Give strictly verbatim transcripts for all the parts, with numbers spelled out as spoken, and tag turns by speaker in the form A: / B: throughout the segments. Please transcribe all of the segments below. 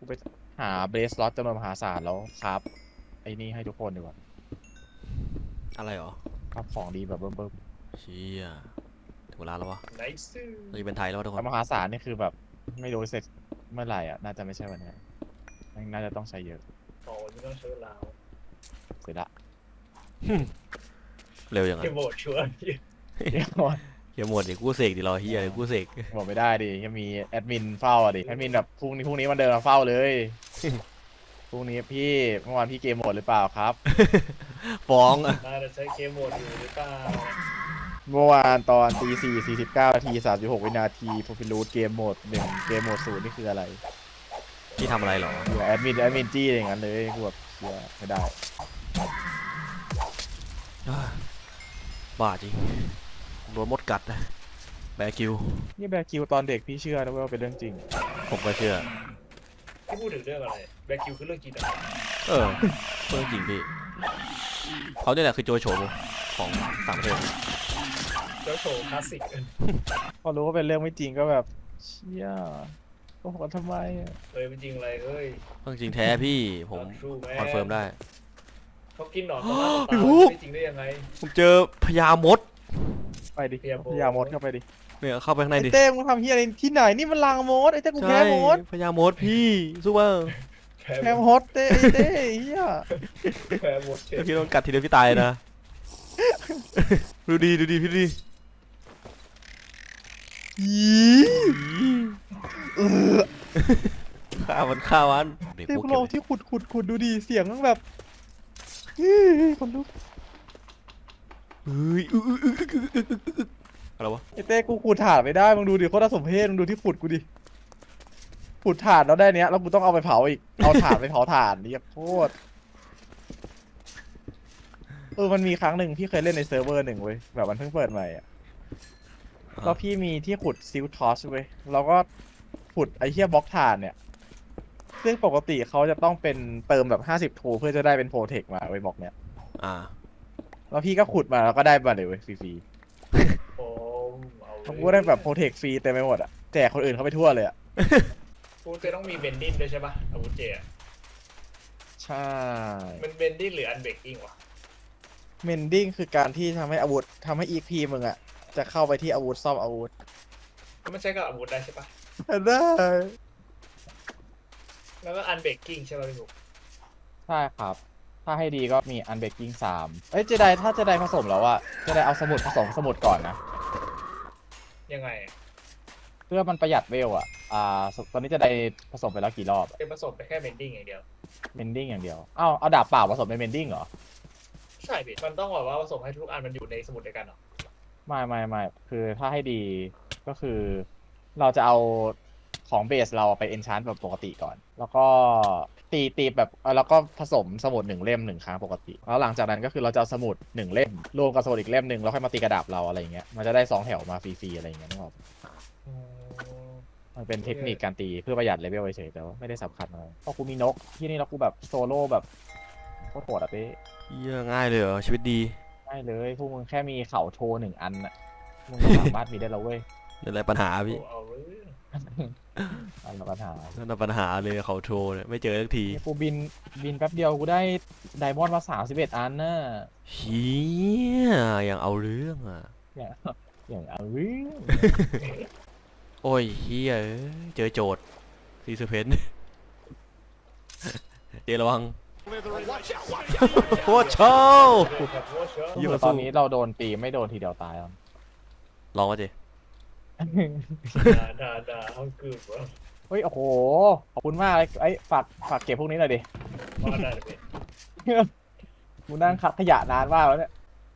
A: กูไปหาเบสล็อตจำนวนมหาศาลแล้วครับไอ้นี่ให้ทุกคนดีกว่า
B: อะไรหรอ
A: ครับของดีแบบเบิ่ม
B: เชี่ยถึงเวลาแล้ววะ
C: ไนซ์
B: เราจะเป็นไทยแล้ววะทุก
A: ๆ
B: คน
A: แต่มหาศาลนี่คือแบบไม่รู้เสร็จเมื่อไหร่อ่ะน่าจะไม่ใช่วันนี้น่าจะต้องใช้เยอะ
C: โอ้ไม่ต้องใช้เวลา
A: เสร็จละ
B: เร็วอย่าง
C: เก
B: นั้น
C: มโหมดชัวร์
A: เดี๋ยว
B: เฮียหมดเดี๋ยวกูเสกดิรอเฮียเดี๋ยวกูเสก
A: บอกไม่ได้ดิยังมีแอดมินเฝ้าอ่ะดิแอดมินแบบพรุ่งนี้พรุ่งนี้มันเดินมาเฝ้าเลยพรุ่งนี้พี่เมื่อวานพี่เกมหมดหรือเปล่าครับ
B: ฟ้อง
C: น่าจะใช้เกมโหมดอยู่หรือเปล่า
A: เมื่อวานตอนตีสี่สี่สิบเก้านาทีสามสิบหกวินาทีโฟฟิลูดเกมโหมดหนึ่งเกมโหมดศูนย์นี่คืออะไร
B: พี่ทำอะไรหรอ
A: อยู่แอดมินแอดมินจี้อย่างนั้นเลยกูแบบเชียไม่ได้
B: บ้าจริงโดนมดกัดนะแบกิว
A: นี่แบคิวตอนเด็กพี่เชื่อนะว่าเป็นเรื่องจริง
B: ผมก็เชื่อ
C: ที่พูดถึงเรื่องอะไรแบ็คคิวคือเรื่องจริงแต่
B: เออเรื่องจริงพี่เขาเนี่ยแหละคือโจโฉของต่างประเทศ
C: เจ้าโชว์คลาสสิก
A: พอรู้ว่าเป็นเรื่องไม่จริงก็แบบเชี่ยโอ้โหทำไมอะ
C: เฮ้ยเป็นจริงอะไรเฮ้ย
B: เรื่องจริงแท้พี่ผม
C: ทรูแม
B: คอนเฟิร์มได้
C: เขากินหนอนเขาหน้าตา
B: พี่บุ๊ค
C: ไม่จริงได้ยังไง
B: ผมเจอพญามด
A: ไปดิ
C: เพียโบ
A: พยามดเข้าไปดิ
B: เนี่ยเข้าไปข้างใน
A: ไอ้
B: ดิ
A: เต้มึงทำเฮียอะไรที่ไหนนี่มันลังมดไอ้เต้กูแพ้
B: ใช่
A: มด
B: พญามดพี่สู้ว่า
C: แพ้
A: แพ้มดเต้ไอ้เต้เฮีย
C: แพ้หมดเจ็บ
B: พี่โดนกัดทีเดียวพี่ตายนะ ดูดีดูดีพี่ดูดี
A: เออ
B: ฆ่ามันฆ่ามันเด็ก
A: เต้
B: พวก
A: กู
B: เก็
A: ล
B: บ
A: อง
B: เลย
A: ที่ขุดขุดขุดดูดิเสียงมันแบบอื้อคนลุก
B: เฮ้ยอื้ออื้ออื้ออื้ออื้ออื้ออื้ออะไรวะ
A: ไอ้เต้กูขุดถ่านไม่ได้มึงดูดิโคตรน่าสมเพชมึงดูที่ขุดกูดิขุดถ่านแล้วได้เนี้ยแล้วกูต้องเอาไปเผาอีกเอาถ่านไปเผาถ่านนี่โคตรเออมันมีครั้งหนึ่งพี่เคยเล่นในเซิร์ฟเวอร์หนึ่งเว้ยแบบมันเพิ่งเปิดใหม่อ่ะแล้วพี่มีที่ขุดซิลทอสเว้ยแล้วก็ขุดไอ้เหี้ยบล็อกถ่านเนี่ยซึ่งปกติเขาจะต้องเป็นเติมแบบห้าสิบทูเพื่อจะได้เป็นโปรเทคมาไว้บล็อกเนี้ย
B: อ่า
A: แล้วพี่ก็ขุดมาแล้วก็ได้มาเลยเว้ยฟรี
C: โอ้เอา
A: ๆเขาก็ได้แบบโปรเทคฟรีเต็มไปหมดอ่ะแจกคนอื่นเขาไปทั่วเลยอ่ะ
C: กูจะต้องมีเบนดิ้นด้วยใช่ปะอาวุธเจอะ
A: ใช่
C: มันเบนดิ้นหรืออันเบรกกิ้งวะ
A: เมนดิ้งคือการที่ทำให้อาวุธทำให้อีพีมึงอ่ะจะเข้าไปที่อาวุธซ่อมอาวุธ
C: ก็ไม่ใช่กับอาวุธได้ใช่ปะ
A: ได้
C: แล้วก็อันเบรกกิ้งใช่ปะพี่บุ๊ค
A: ใช่ครับ ถ้าให้ดีก็มีอันเบกกิ้งสามเอ้ยเจไดถ้าเจไดผสมแล้วอะเจไดเอาสมุดผสมสมุดก่อนนะ
C: ยังไงอะ
A: เพื่อมันประหยัดเวลอะอ่าตอนนี้เจไดผสมไปแล้วกี่รอบอะ
C: เป็นผสมไปแค่เบนดิ้งอย่างเดียว
A: เมนดิ้งอย่างเดียวอ้าวเอาดาบเปล่าผสมเป็นเมนดิ้งเหรอ
C: ใช่พี่มันต้องแบบว่าผสมให้ทุกอันมันอยู่ในสมุดเดียวกันเหรอ
A: ไม่ไม่ไม่คือถ้าให้ดีก็คือ เราจะเอาของเบสเราไปเอนชานแบบปกติก่อน แล้วก็ตีตีแบบเอ่อแล้วก็ผสมสมุดหนึ่งเล่มหนึ่งครั้งปกติ แล้วหลังจากนั้นก็คือเราจะเอาสมุดหนึ่งเล่มรวมกับสมุดอีกเล่มหนึ่งแล้วค่อยมาตีกระดาบเราอะไรอย่างเงี้ยมันจะได้สองแถวมาฟรีๆอะไรอย่างเงี้ยนึกออก
C: อืม
A: มันเป็นเทคนิคการตีเพื่อประหยัดเลเวลเฉยๆแต่ว่าไม่ได้สำคัญอะไรเพราะกูมีนกที่นี่แล้วกูแบบโซโล่แบบโคตรโหดอ่ะเต้
B: เหี้ยง่ายเลยเหรอชีวิตดี
A: ไม่เลยพวกมึงแค่มีเขาโชว์หนึ่งอันน่ะมึงก็สามารถมีได้แล้วเว้ย
B: นั่นแหละปัญหาพี่
C: เอาเรื่อง
A: อันละปัญหา
B: นั่นแหละปัญหาเลยเขาโทรเนี่ยไม่เจอสักที
A: นี่กูบินบินแป๊บเดียวกูได้ไดมอนด์มาสามสิบเอ็ดอันน่ะ
B: เฮียอย่างเอาเรื่องอ่ะ
A: อย่างอย่างเอาเรื่อง
B: โอ้ยเฮียเอ้ยเจอโจทย์ซีซูเพน เจระวังโคตรโชว์
C: แบบว่าเชื่อ
B: ยี่
A: คือ
B: ห้อสู้
A: ตอนนี้เราโดนตีไม่โดนทีเดียวตายแล้ว
B: ลองมาเจ
C: ด่าด่าด่าห้องกึ่งวะ
A: เฮ้ยโอ้โหขอบคุณมากเลยไอ้ยฝากฝากเก็บพวกนี้หน่อยดิ
C: ว่าได้เลย
A: กูนั่งคัดขยะนานมากแล้วเนี่ย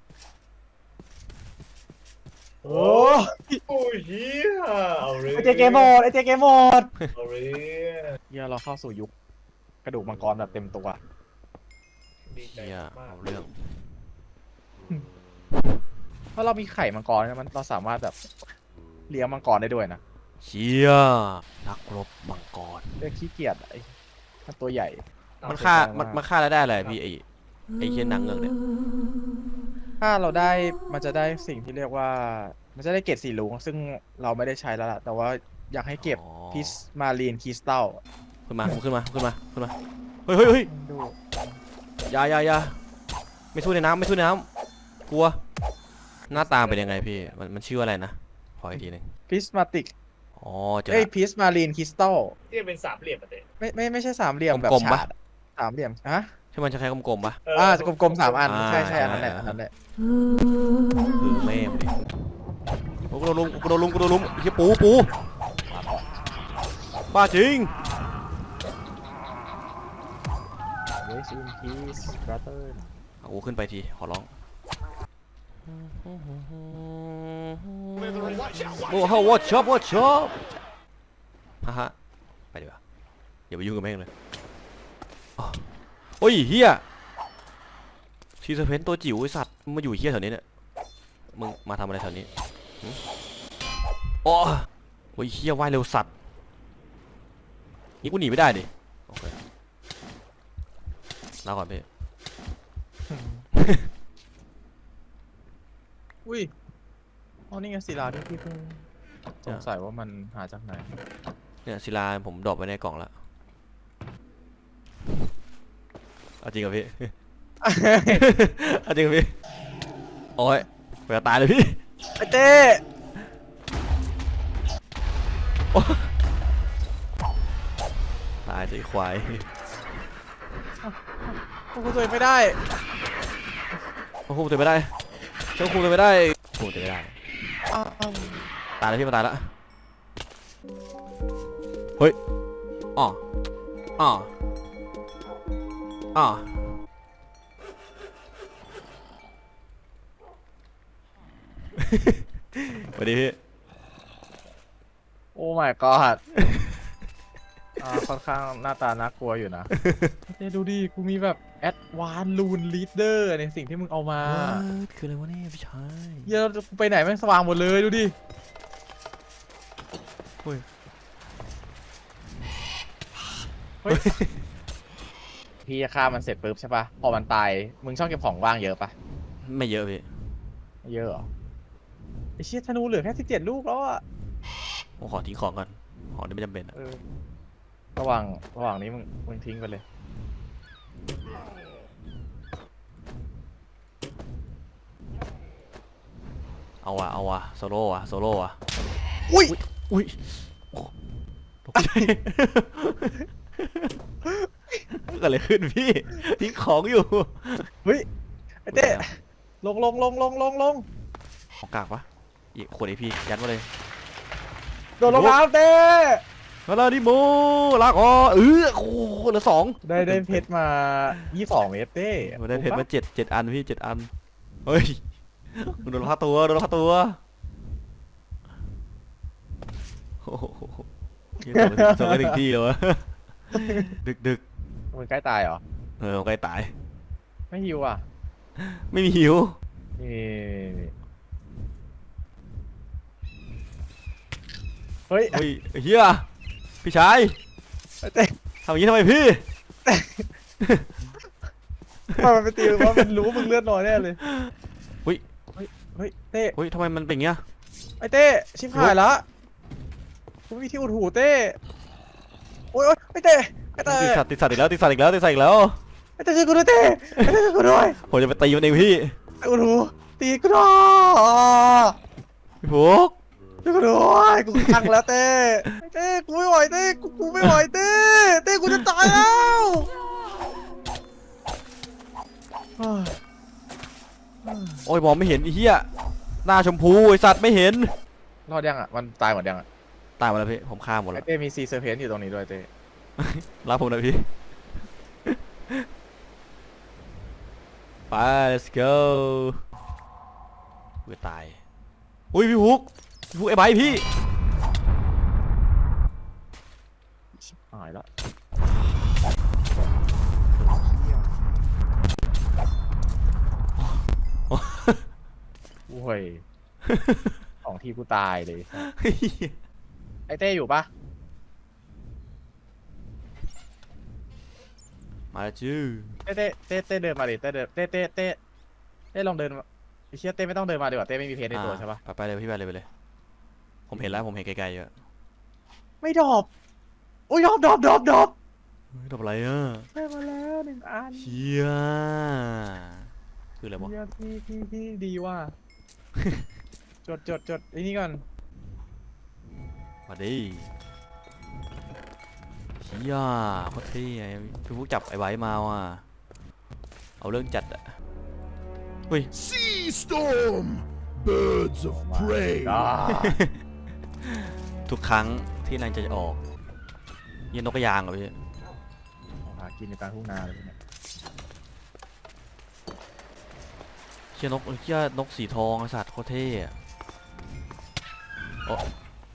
A: โอ้
C: โอ้ยเฮียเอาเรื่อง
A: ไอเจเกมหมดไอเจเกมหมด
C: เอาเรื่อง
A: เฮียเราเข้าสู่ยุคกระดูกมังกรแบบเต็มตัว
C: ดีใจ
B: เฮีย
C: มาก
B: เอาเรื่อง
A: ถ้าเรามีไข่มังกรเนี่ยมันเราสามารถแบบเลี้ยงมังกรได้ด้วยนะ
B: เชียนักรบมังกร
A: เรียกขี้เกียจไอ้ถ้าตัวใหญ่
B: มันฆ่ามันมันฆ่าแล้วได้อะไรพี่ไอไอเช่นนางเงือกเนี่ย
A: ถ้าเราได้มันจะได้สิ่งที่เรียกว่า มันจะได้เกรดสีลุงซึ่งเราไม่ได้ใช้แล้วล่ะ แต่ว่าอยากให้เก็บ
B: อ๋อ
A: พิสมารีนคริสตัล
B: ขึ้นมาขึ้นมาขึ้นมาขึ้นมาเฮ้ยเฮ้ยเฮ้ย
A: ดู
B: อยาอยาอยาไม่สู้ในน้ำไม่สู้ในน้ำกลัวหน้าตาเป็นยังไงพี่มันมันชื่ออะไรนะขออีกทีหนึง
A: พิสมาติก
B: อ๋อเจอ
A: เอ้ย
B: ละ
A: พิสมารีนคริสตัล
C: ที่เป็นสามเหลี่ยมอะเต้
A: ไม่ไม่ไม่ใช่สามเหลี่ยมแบบ
B: กลมๆปะ
A: ฉาดอะสามเหลี่ยมฮะ
B: ใช่มันจะคล้ายกลมๆปะ
A: อ่าจะกลมๆสามอัน
B: อ่า
A: ใช่ใช่อัน
B: ใช่
A: นั้นแหละอันนั้นแหละ
B: คือแม่ดิโอ้กูโดนลุมกูโดนลุมกูโดนลุมเฮียปูปูบ้าจริง
A: เวสอินพีสบราเตอร์
B: เอากูขึ้นไปทีขอร้องโอ้โห watch up watch up ฮ่าฮ่าไปดีกว่าอย่าไปยุ่งกับแม่งเลยอ๋อโอ้ยเฮียชีสเพนตัวจิ๋วไอสัตว์มึงมาอยู่เฮียแถวนี้เนี่ยมึงมาทำอะไรแถวนี้หึโอ้โอ้ยเฮียว่ายเร็วสัตว์นี่กูหนีไม่ได้ดิโอเคลาก่อนพี่
A: อุ้ยอ๋อนี่ไงศิลาที่พี่เพิ่งสงสัยว่ามันหาจากไหน
B: เนี่ยศิลาผมดรอปไว้ในกล่องแล้วเอาจริงกับพี่ เอาจริงกับพี่โอ้ยเวลาตายเลยพี่
A: ไอเต้
B: ตายสิควาย
A: ควบคุมตัวเองไม่ได้
B: ควบคุมตัวไม่ได้เจ้าคุมตัวไม่ได้ควบคุมตัวไม่ได้
A: อ้าว
B: ตายแล้วพี่มาตายแล้วเฮ้ยอ๋ออ๋ออ๋อสวัสดีพี่
A: โอ้ my god อ่าค่อนข้างหน้าตาน่ากลัวอยู่นะ เต้ดูดิกูมีแบบแอดวานลูนลีดเดอร์ในสิ่งที่มึงเอามา
B: คืออะไรวะเนี่ยพี่ชาย
A: เหี้ยอะกูไปไหนแม่งสว่างหมดเลยดูดิ
B: เฮ้ย
A: เฮ้ย พี่จะฆ่ามันเสร็จปุ๊บใช่ปะพอมันตายมึงชอบเก็บของว่างเยอะปะ
B: ไม่เยอะพี่
A: ไม่เยอะเหรอไอเชี่ยธนูเหลือแค่สิบเจ็ดลูกแล้วอะ
B: ผมขอทิ้งของก่อนของที่ไม่จำเป็นอะ
A: เออระหว่างระหว่างนี้มึงมึงทิ้งไปเลย
B: เอาวะเอาวะโซโล่อะโซโล่อะ
A: อุ้ย
B: อุ้ยโอ้ตกใจเกิดอะไรขึ้นพี่ทิ้งของอยู่
A: เฮ้ยไอเต้ลงลงลงลงลงลง
B: ของกากปะอีกขวดไอพี่ยัดมาเลย
A: โดดลงน้ำเต้
B: มาแล้วดิโมลากอ๋อเออโอ้โหเหลือสอง
A: ได้ได้เพชรมายี่สองเมตรเต้
B: มาได้เพชรมาเจ็ดเจ็ดอันพี่เจ็ดอันเฮ้ยโดนฆ่าตัวโดนฆ่าตัวโอ้โหส่งไปถึงที่เลยวะดึกดึก
A: มึงใกล้ตายเหรอ
B: เออใกล้ตาย
A: ไม่หิวอ่ะ
B: ไม่มีหิว
A: นี่เฮ้ย
B: เฮ้ยเฮียพี่ชาย
A: ไอ้เต้
B: ทำอย่างนี้ทำไมพี่
A: มันไปตีว่ามันรู้มึงเลือดน้อยแน่เลย
B: เฮ้ย
A: เฮ้ยเฮ้ยเต้
B: เฮ้ยทำไมมันเป็นอย่างเงี้ย
A: ไอ้เต้ชิบหายละกูมีที่อุดหูเต้โอ๊ยโอ๊ยไอ้เต้ไอ้เต้
B: ติดสัตว์ติดสัตว์อีกแล้วติดสัตว์อีกแล้วติดสัตว์อีกแล้ว
A: ไอ้เต้ช่วยกูด้วยเต้ไอ้เต้ช่วยกูด้วย
B: ผมจะไปตีมันเองพี่
A: ไอ้อุดหูตีกูด้วย
B: พี่ฟุก
A: ช่วยกูด้วยกูขังแล้วเต้ไอ้เต้กูไม่ไหวเต้กูกูไม่ไหวเต้เต้กูจะตายแล้วเฮ้ย
B: โอ้ยมองไม่เห็นไอ้เหี้ยหน้าชมพูไอสัตว์ไม่เห็น
A: รอดยังอ่ะมันตายหมดยังอ่ะ
B: ตายหมดแล้วพี่ผมฆ่าหมด
A: ไอ้
B: แล้ว
A: เต้มีซีเซอร์เพนอยู่ตรงนี้ด้วยเต้
B: รับผมหนะพี่ไป let's go กูจะตายอุ้ยพี่ฟุกพี่ฟุกไอ้ใบพี่
A: ชิบหายแล้วโอ้ยของที่กูตายเลยไอ้เต้อยู่ปะ
B: มาแล้วจื้อ
A: เต้เต้เต้เต้เดินมาดิเต้เดินเต้เต้เต้เต้ลองเดินมาไอ้เชี่ยเต้ไม่ต้องเดินมาดีกว่าเต้ไม่มีเพจในตัวใช่ปะ
B: ไปไปเลยพี่ไปเลยไปเลยผมเห็นแล้วผมเห็นไกลๆเยอะ
A: ไม่ดรอปโอ้ยดอบดอบดอบดอบ
B: เฮ้ยทำอะไรอ่ะ
A: ได้มาแล้วหนึ่งอัน
B: เฮียคืออะไรวะ
A: เฮียที่ที่ที่ดีว่ะ จดจดจดไอ้นี่ก่อน
B: มาดิเฮียโคตรเท่ไอ้พี่พวกจับไอ้ไว้มาว่ะเอาเรื่องจัดอะเฮ้ย
D: Sea storm, birds of prey.
A: อ่า
B: ทุกครั้งที่นางจะออกเฮียนกกระยางเหรอพี่
A: หากินในกลางทุ่งนาเลยเนี่ย
B: เฮียนกเฮียนกสีทองไอ้สัตว์โคตรเท่อะโอ้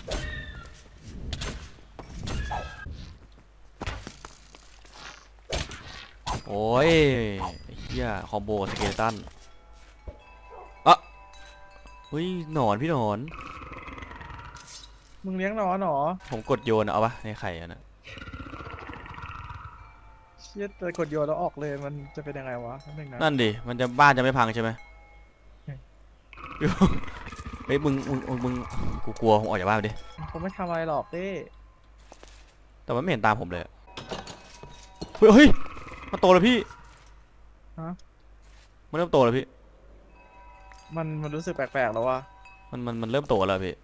B: โอ้ยเฮียคอมโบสเกเลตันอะเฮ้ยหนอนพี่หนอน
A: มึงเลี้ยงหนอนเหรอ
B: ผมกดโยนอะเอาปะในไข่อะนะ
A: เชี่ยแต่กดโยนแล้วออกเลยมันจะเป็นยังไงวะนั่นเองนะ
B: นั่นดิ มันจะบ้านจะไม่พังใช่ไหมเฮ้ยมึงมึงมึงมึงกูกลัวผมออกจากบ้านไปดิ
A: ผมไม่ทำอะไรหรอกเต้
B: แต่มันไม่เห็นตามผมเลยอะเฮ้ยเฮ้ยมันโตแล้วพี่
A: ฮะ
B: มันเริ่มโตแล้วพี่
A: มันมันรู้สึกแปลกๆแล้ววะ
B: มันมันมันเริ่มโตแล้วพี่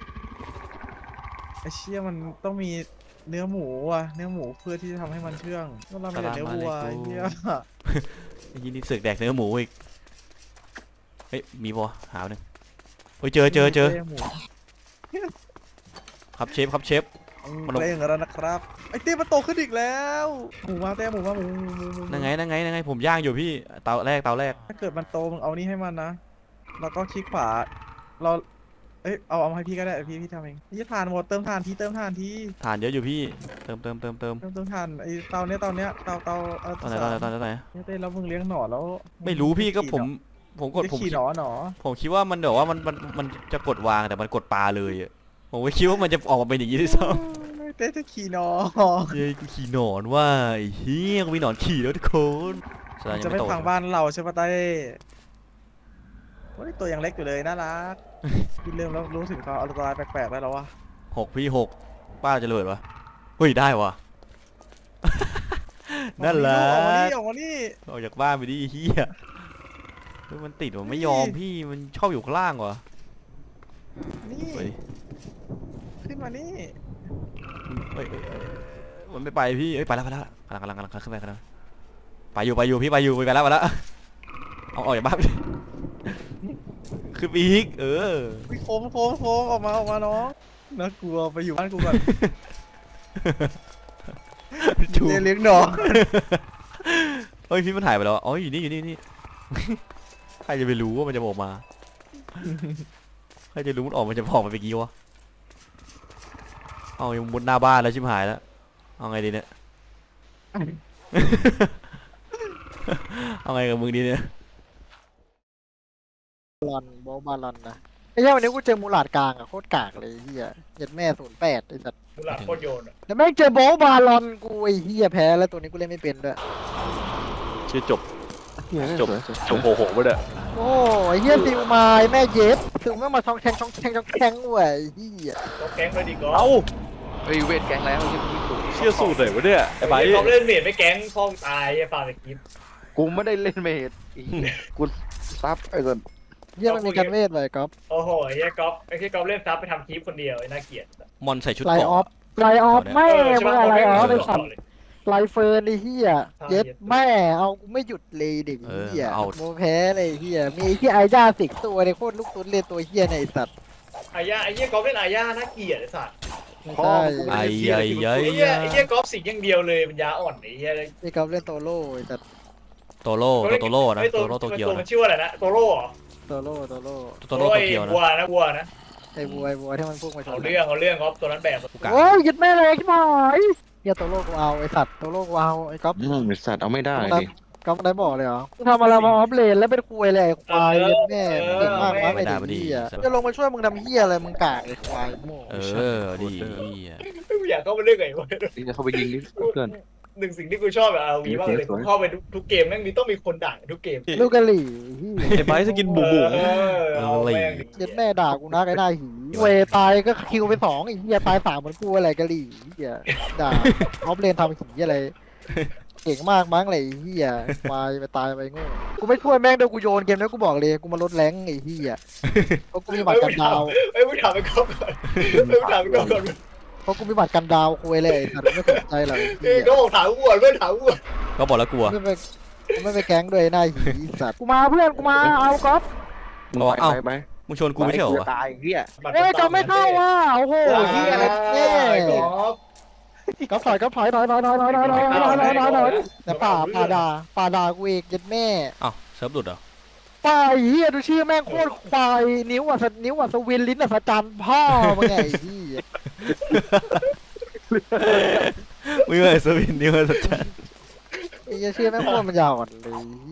A: ไอ้เชี่ยมันต้องมีเนื้อหมูว่ะเนื้อหมูเพื่อที่จะทำให้มันเชื่องก็เราไม่ได้เนื้อวัวไอ้เหี้ย
B: ไอ้ยี่นี่เสือกแดกเนื้อหมูอีก เฮ้ยมีปะวะหาหนึ่งเฮ้ยเจอเจอเจอ
A: หมู
B: ครับเชฟครับเชฟ มันลง
A: เร่งแล้วนะครับไอ้เต้มันโตขึ้นอีกแล้วหมูมาเต้หมูมาหมูหมูหมูหมู
B: นั่งไงนั่งไงนั่งไงผมย่างอยู่พี่เตาแรกเตาแรก
A: ถ้าเกิดมันโตมึงเอานี่ให้มันนะแล้วก็คลิกขวาเราเอ้ยเอาเอามาให้พี่ก็ได้พี่พี่ทำเองพี่ทานหมดเติมทานทีเติมทานที
B: ฐานเยอะอยู่พี่ เติมเติมเติมเติม
A: เติมเติมทานไอ้เตาเนี้ยเตาเนี้ยเตาเตาเออ
B: ตอนไหนตอนไหนตอนไหนตอนไหน
A: เนี่ยเต้แล้วมึงเลี้ยงหนอนแล้ว
B: ไม่รู้พี่ก็ผมผมกด
A: จะ
B: ผม
A: ขี่
B: คิด
A: หนอนหนอ
B: ผมคิดว่ามันเดี๋ยวว่ามันมันมันจะกดวางแต่มันกดปลาเลยอะผมก็คิดว่ามันจะออกมาเป็นอย่างนี้ด้วยซ้
A: เต้จะขี่หนอน
B: ำเฮ้ยกูขี่หนอนว่าไอ้เฮียกูมีหนอนขี่แล้วทุกคนแสดง
A: จะ
B: ยัง
A: ไม่
B: ไม่โต
A: พังบ้านเราใช่ปะเต้โอ้ยตัวยังเล็กอยู่เลยน่ารักพี่เริ่มแล้วรู้ถึงเขาอันตรายแปลกๆแล้วเหรอวะ
B: หกพี่หกป้าจะระเบิดวะเฮ้ยได้วะ นั่นแหละ
A: ออกมานี่ออกมานี่
B: ออกจากบ้านไปดิไอ้เฮียเฮ้ยมันติดมันไม่ยอมพี่มันชอบอยู่ข้างล่างวะ
A: นี่
B: เฮ้ย
A: ขึ้นมานี่
B: เฮ้ยเฮ้ยเฮ้ยมันไม่ไปพี่เฮ้ยไปแล้วไปแล้วกำลังกำลังกำลังขึ้นไปกำลังไปอยู่ไปอยู่พี่ไปอยู่ไปแล้วไปแล้วเอาออกจากบ้านไปดิขึ้นไปอีกเออ
A: วิโค้งโค้งโค้งออกมาออกมาน้องน่ากลัวไปอยู่บ้านกูก่อน
B: จู
A: เจเลี้ยงหนอน
B: เฮ้ยพี่มันหายไปแล้วอ๋ออยู่นี่อยู่นี่นี่ ใครจะไปรู้ว่ามันจะออกมาใครจะรู้มันออกมันจะออกมาไปกี่วะเอายังมุดหน้าบ้านแล้วชิบหายแล้วเอาไงดีเนี่ย เอาไงกับมึงดีเนี่ย
E: ลอนโบบาลอนนะไอ้เหี้ยวันนี้กูเจอมูหลาดกลางอะโคตรกากเลยไอ้เหี้ยเจ็ดแม่ศูนย์แปดไอ้สัตว์
C: ดูหลักโคตรโยนอะ
E: แล้วแม่งเจอโบบาลอนกูไอ้เหี้ยแพ้แล้วตัวนี้กูเล่นไม่เป็นด้วย
F: ชื่อจบจบจบโหโหไปเลย
E: โอ้ไอ้เหี้ยซิวมาไอ้แม่เย็บซิวแม่งมาช่องแทงช่องแทงช่องแทงเว้ยไอ้เหี้ย
C: ก็แก๊งเลยดีก็
F: เอ้า
G: เฮ้ยเวทแก๊งแล้วยังไม่ถูก
F: เชื่อสูตรไหนวะเนี่ยไอ้ใบ
C: เขาเล่นเมดไม่แก๊งพ่องตายไอ้ฟาร์มสกิป
G: กูไม่ได้เล่นเมดอีกูซับไอ้สัน
E: เหี้ยมันมีการเวทไว้ก๊อฟ
C: โอ้โหไอ้เหี้ยก๊อฟไอ้เหี้ยก๊อฟเล่นซับไปทำคลิปคนเดียวไอ้น่าเกลียด
B: มอนใส่ชุด
E: ไล
B: เกราะ
E: ออฟไลออฟแม่
C: เออใช่
E: มึง
C: ปะ
E: อะไรออฟ
C: เอ
E: ไอ้
C: อ
E: สัตว์ไลเฟิร์นไอ้เหี้ยเย็ดแม่เอากูไม่หยุดเลยเด็ก
B: เออ
E: เหี้ย
B: เอา
E: โมแพ้เลยไอ้เหี้ยมีไอ้เหี้ยไอ้ย่าสิกตัวในโคตรลูกตุ้นเลยตัวเหี้ยในไอ้สัตว์
C: ไอ้ย่าไอ้เหี้ยก๊อฟเล่นอาย่าน่าเกลียดไอ้สัตว์
E: ไม่
G: พ่อ
E: ใช่
G: กู
B: ไอ้
G: ไม่ได้เชีย
B: ไอ้
G: ร์
B: ไอ้
C: ไอ้เหี้ยไอ้เหี้ยก๊อฟสิงอย่างเดียวเลยปัญญาอ่อนไอ้เหี้ย
E: ไอ้ก๊อฟเล่นโตโร่ไอ้สัตว์
B: โตโร่โตโร่นะ
C: ไอ้
B: โตโร่โตเกียว
C: ตัวมั
B: นะ
C: นชื่อว่าอะไรนะโตโร่เหรอ
E: โตโร่โตโร่
B: โตโร่โต
C: ไอ้
B: เกียวนะ
C: วัวนะวัวนะ
E: ไอ้บัวไอ้บัวที่มันพุ่งมาช
C: เอา
E: น
C: เรื่องเอาเรื่องก๊อฟตัวนั้นแบบ
B: กูกะ
E: โอ้ยยึดแม่เลยขึ้นมาไอ้เหี้ยโตโร่กูเอาไอ้สัตว์โตโร่กูเอาไอ้ก๊อฟ
G: อืมไอ้สัตว์เอาไม่ได้ดิ
E: ก๊อฟได้บอกเลยเหรอกูทำอะไรมาออฟเลนแล้วเป็นคุยเลยไอ้ควายยึดแม่เก่งมากวะไอ้เด็กเหี้ยจะลงมาช่วยมึงทำเหี้ยอะไรมึงกากไอ้ควายโง่
B: เออดีเหี้ย
C: ไม่อยากเข้าไปเรื่องไงวะ
G: นี่จะเข้าไปยิงดิเพื่อน
C: หนึ่งสิ่งที่กูชอบแบบอาร์วีมากเลยกูเข้าไปทุกทุกเกมแม่งมีต้องมีคนด่าทุกเกม
E: ลูกกะหรี่
F: ไอ้ไบร์ทสกินบุ๋มบุ๋ม
C: เออเอาแม่งดิ
E: เย็ดแม่ด่ากูนะไอ้หน้าหีเวตายก็คิวไปสองไอ้เหี้ยตายสามเหมือนกูอะไรกะหรี่เหี้ยด่าออฟเลนทำหีอะไรเก่งมากมั้งเลยไอ้เหี้ยตายไปตายไปโง่กูไม่ช่วยแม่งเดี๋ยวกูโยนเกมแล้วกูบอกเลยกูมาลดแรงไอ้เหี้ยเพราะกูมีบัตรกันดาว
C: เอ้ยมึงถามไปก่อนก่อนเอ้ยมึงถามไปก่อนก่อน
E: เพราะกูมีบัตรกันดาวคุยเลยไอ้สัตว์ไม่สนใจหรอก
C: เอ้ยก็บอกถามกูก่อนเพื่อนถามกูก่อน
B: ก็บอกแล้วกลัว
E: ไม่ไปกูไม่ไปแก๊งด้วยหน้าหีสัตว์กูมาเพื่อนกูมาเอาก๊อฟ
B: บอกว่าเอ้า
F: ไปไป
B: มึงชวนกูไม่ใช่เหรอวะ
G: ตายเหี้ย
E: เอ้ยจะไม่เข้าว่ะโอ้โหเหี้ยอะไรแน่
C: ก๊อฟ
E: ก๊อฟถอยก๊อฟถอยถอยถอยถอยถอยถอยถอยถอยถอยถอยถอยแต่ป่าป่าด่าป่าด่ากูเองยัดแม่
B: เอ้าเซิร์ฟหลุดเหรอ
E: ป่าเหี้ยดูชื่อแม่งโคตรควายนิ้วอ่ะสนิ้วอ่ะสวินลิ้นอ่ะสจันพ่อมึงไงไอ้เหี้ย
B: มึงเลยสวินนี่มันสัจจะ
E: ไอ้เหี้ยชื่อแม่งโคตรมันยาวอ่อนเลย